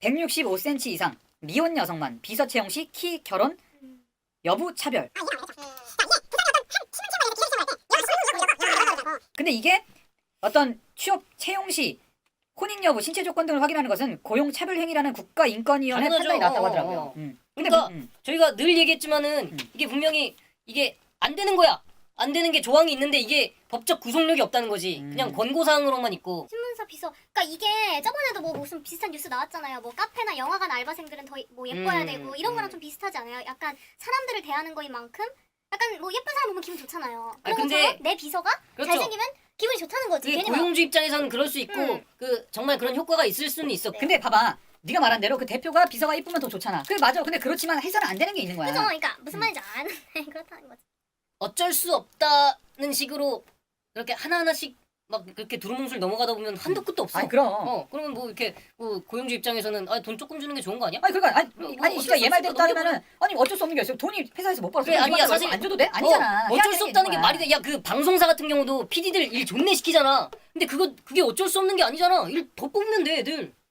165cm 이상 미혼 여성만 비서 채용 시 키 결혼 여부 차별. 근데 이게 어떤 취업 채용 시 혼인 여부, 신체 조건 등을 확인하는 것은 고용 차별 행위라는 국가인권위원회 당연하죠. 판단이 나왔다고 하더라고요. 근데 그러니까 저희가 늘 얘기했지만은 이게 분명히 이게 안 되는 거야. 안 되는 게 조항이 있는데 이게 법적 구속력이 없다는 거지. 그냥 권고사항으로만 있고. 신문사 비서. 그러니까 이게 저번에도 뭐 무슨 비슷한 뉴스 나왔잖아요. 뭐 카페나 영화관 알바생들은 더 뭐 예뻐야 되고 이런 거랑 좀 비슷하지 않아요? 약간 사람들을 대하는 거인 만큼 약간 뭐 예쁜 사람 보면 기분 좋잖아요. 아니, 그런 근데- 것처럼 내 비서가 그렇죠. 잘생기면 기분이 좋다는 거지. 그게 괜히 막 고용주 입장에서는 그럴 수 있고 그 정말 그런 효과가 있을 수는 있어. 근데 봐봐. 네가 말한 대로 그 대표가 비서가 이쁘면 더 좋잖아. 그래 맞아. 근데 그렇지만 해서는 안 되는 게 있는 거야. 그죠? 그러니까 무슨 말인지 아는데 그렇다는 거지. 어쩔 수 없다는 식으로 이렇게 하나하나씩 막 그렇게 두루뭉술 넘어가다 보면 한도 끝도 없어. 아니 그럼. 그러면 뭐 이렇게 뭐 고용주 입장에서는 돈 조금 주는 게 좋은 거 아니야? 아니 그러니까 뭐 아니 어쩔 진짜 수 얘 말대로 없으니까 따르면은 아니 어쩔 수 없는 게 있어요. 돈이 회사에서 못 벌어서 그래, 아니야, 사실- 안 줘도 돼? 아니잖아. 해야 어쩔 되는 수 게 없다는 게 있는 말이 거야. 돼. 야, 그 방송사 같은 경우도 PD들 일 존내 시키잖아. 근데 그게 어쩔 수 없는 게 아니잖아. 일 더 뽑으면 돼, 애들.